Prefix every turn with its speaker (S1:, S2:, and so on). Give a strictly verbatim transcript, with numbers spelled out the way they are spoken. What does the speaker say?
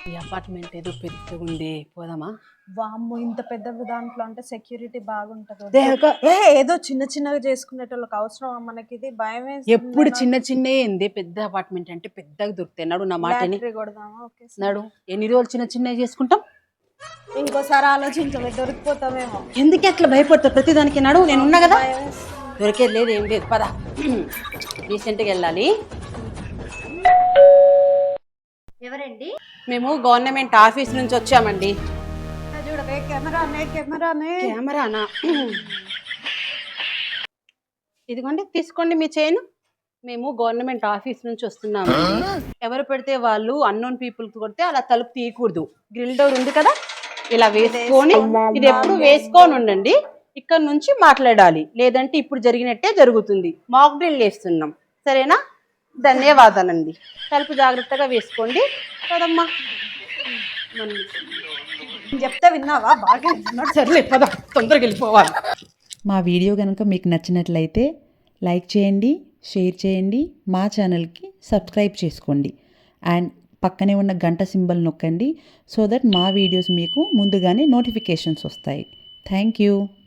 S1: ఈ అపార్ట్మెంట్ ఏదో పెద్దగా ఉంది, పోదామా?
S2: వామ్మో, ఇంత పెద్ద దాంట్లో అంటే సెక్యూరిటీ బాగుంటది.
S1: దేహక
S2: ఏ ఏదో చిన్న చిన్నగా చేసుకునేటోళ్ళకి అవసరం మనకి, ఇది భయం
S1: ఎప్పుడు చిన్న చిన్న ఏంది, పెద్ద అపార్ట్మెంట్ అంటే పెద్దగా దొరుకుతాయి. నడు నా మాటని,
S2: కొడదామా? ఓకే
S1: నడు. ఎన్ని రోజులు చిన్న చిన్న చేసుకుంటాం?
S2: ఇంకోసారి ఆలోచించమే, దొరికిపోతామేమో.
S1: ఎందుకు అట్లా భయపడతావు ప్రతిదానికి? నడు, నేను ఉన్నా కదా. దొరికేది లేదు, ఏం లేదు, పద. రీసెంట్గా వెళ్ళాలి.
S3: ఎవరండి?
S1: మేము గవర్నమెంట్ ఆఫీస్ నుంచి వచ్చామండి.
S2: చూడవే కెమెరానే కెమెరానే
S1: కెమెరానా? ఇదిగోండి, తీసుకోండి మీ చైన్. మేము గవర్నమెంట్ ఆఫీస్ నుంచి వస్తున్నాము. ఎవరు పెడితే వాళ్ళు అన్నోన్ పీపుల్ కొడితే అలా తలుపు తీయకూడదు. గ్రిల్ డోర్ ఉంది కదా, ఇలా వేసుకొని, ఇది ఎప్పుడు వేసుకొని ఉండండి. ఇక్కడ నుంచి మాట్లాడాలి, లేదంటే ఇప్పుడు జరిగినట్టే జరుగుతుంది. మాక్ డ్రిల్ చేస్తున్నాం, సరేనా? ధన్యవాదాలండి. తలుపు జాగ్రత్తగా వేసుకోండి కదమ్మా.
S2: చెప్తే విన్నావా? బాగా
S1: సర్లే పద, తొందరగా వెళ్ళిపోవాలి.
S4: మా వీడియో కనుక మీకు నచ్చినట్లయితే లైక్ చేయండి, షేర్ చేయండి, మా ఛానల్కి సబ్స్క్రైబ్ చేసుకోండి అండ్ పక్కనే ఉన్న గంట సింబల్ నొక్కండి సో దట్ మా వీడియోస్ మీకు ముందుగానే నోటిఫికేషన్స్ వస్తాయి. Thank you.